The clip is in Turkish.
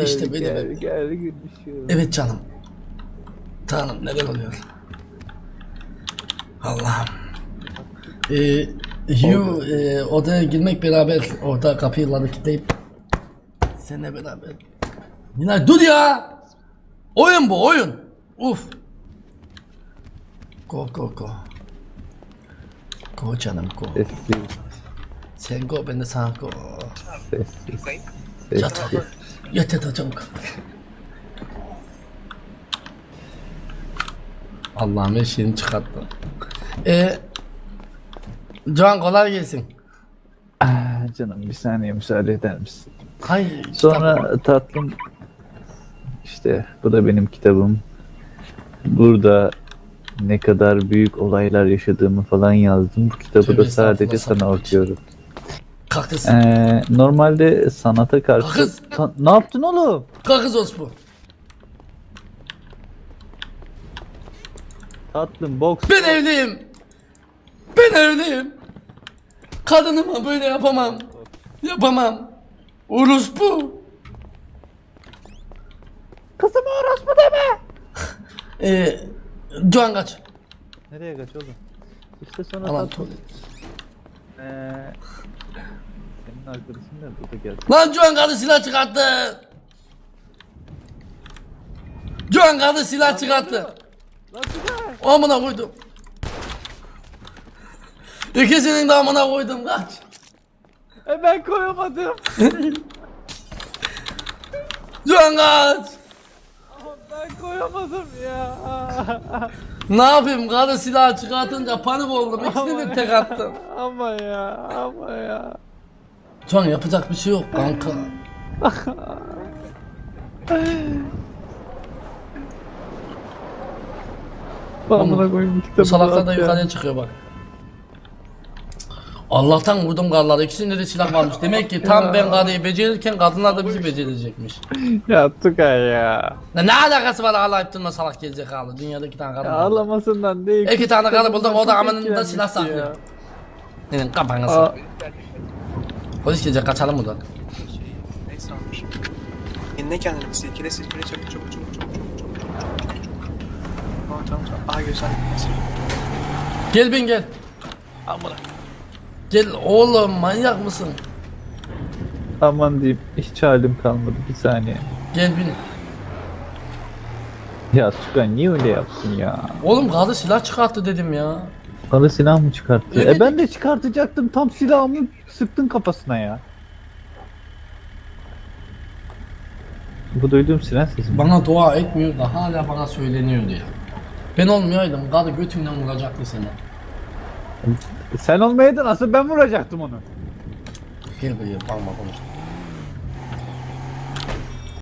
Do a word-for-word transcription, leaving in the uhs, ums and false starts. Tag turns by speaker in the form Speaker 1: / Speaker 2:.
Speaker 1: işte böyle
Speaker 2: gel,
Speaker 1: böyle.
Speaker 2: gel gülüşüm.
Speaker 1: Evet canım. Tanrım neler oluyor? Allah'ım. Ee, Hugh e, odaya girmek beraber orada kapıları kilitleyip seninle beraber. Nilay dur ya! Oyun bu oyun. Uf. Go go go. Go canım go.
Speaker 2: Sessiz,
Speaker 1: Sen go ben de sana go.
Speaker 2: sessiz,
Speaker 1: Yat.
Speaker 2: sessiz.
Speaker 1: Yat yat çabuk. Allah'ım her şeyini çıkarttı. Ee, Can kolay gelsin.
Speaker 2: Ah, canım bir saniye müsaade eder misin?
Speaker 1: Hayır.
Speaker 2: Sonra tatlım işte bu da benim kitabım. Burada ne kadar büyük olaylar yaşadığımı falan yazdım. Bu kitabı
Speaker 1: Tövbe
Speaker 2: da sadece
Speaker 1: estağfurullah,
Speaker 2: sana
Speaker 1: sakın.
Speaker 2: okuyorum.
Speaker 1: Kalkız.
Speaker 2: Ee, normalde sanata karşı...
Speaker 1: Kız!
Speaker 2: Ta- ne yaptın oğlum?
Speaker 1: Kalkız Osman.
Speaker 2: Tatlım boks.
Speaker 1: Ben evliyim. Ben evliyim. Kadınıma böyle yapamam. Yapamam. Orospu.
Speaker 2: Kızıma orospu deme.
Speaker 1: Ee, Can kaç.
Speaker 2: Nereye kaç oğlum? İşte sonra
Speaker 1: Aman
Speaker 2: tatlım.
Speaker 1: tuvalet.
Speaker 2: Ee, senin arkadaşın da burada geldi.
Speaker 1: Lan Can kadın silah çıkarttı. Can kadın silah çıkarttı. Amına koydum. İkisinin de amına koydum kaç.
Speaker 2: E ben koyamadım.
Speaker 1: Can kaç.
Speaker 2: Ben koyamadım ya.
Speaker 1: Ne yapayım kadın silah çıkartınca panik oldum. İkisini de tek attım.
Speaker 2: Ama ya, ama ya.
Speaker 1: Can yapacak bir şey yok kanka.
Speaker 2: Amına koyayım kitabı.
Speaker 1: Bu salaklar da
Speaker 2: at ya.
Speaker 1: yukarıya çıkıyor bak. Allah'tan vurdum karları. İkisinde de silah varmış. Demek ki tam ben karıyı becerirken kadınlar da bizi becerecekmiş.
Speaker 2: Ya Tugay ya.
Speaker 1: Ya ne alakası var ağlayıp durma salak gerizekalı. Dünyada iki tane kadın
Speaker 2: Ya
Speaker 1: var.
Speaker 2: ağlamasından değil.
Speaker 1: İki tane karı buldum, o da
Speaker 2: Çok
Speaker 1: amanında
Speaker 2: etkilenmiş
Speaker 1: silah saklıyor.
Speaker 2: ya.
Speaker 1: Senin kafanı
Speaker 2: Aa,
Speaker 1: sık. Polis gelecek, kaçalım buradan.
Speaker 3: Neyse almış. Kendine kendini silkele silkele çabuk çabuk çabuk çabuk çabuk çabuk çabuk çabuk çabuk. Tamam tamam tamam. Aha güzel.
Speaker 1: Gel bin gel. Amına. Gel oğlum, manyak mısın?
Speaker 2: aman diyeyim hiç halim kalmadı bir saniye.
Speaker 1: Gel bin.
Speaker 2: Ya Tugay niye öyle yaptın ya?
Speaker 1: Oğlum karı silah çıkarttı dedim ya.
Speaker 2: Bana silah mı çıkarttı?
Speaker 1: Evet.
Speaker 2: E ben de çıkartacaktım tam silahımı sıktın kafasına ya. Bu duyduğum silah sesi mi?
Speaker 1: Bana dua etmiyor da hala bana söyleniyordu ya. Ben olmayaydım karı götümden vuracaktı seni.
Speaker 2: Sen olmayaydın asıl ben vuracaktım onu.
Speaker 1: Gel buraya bakma konuş.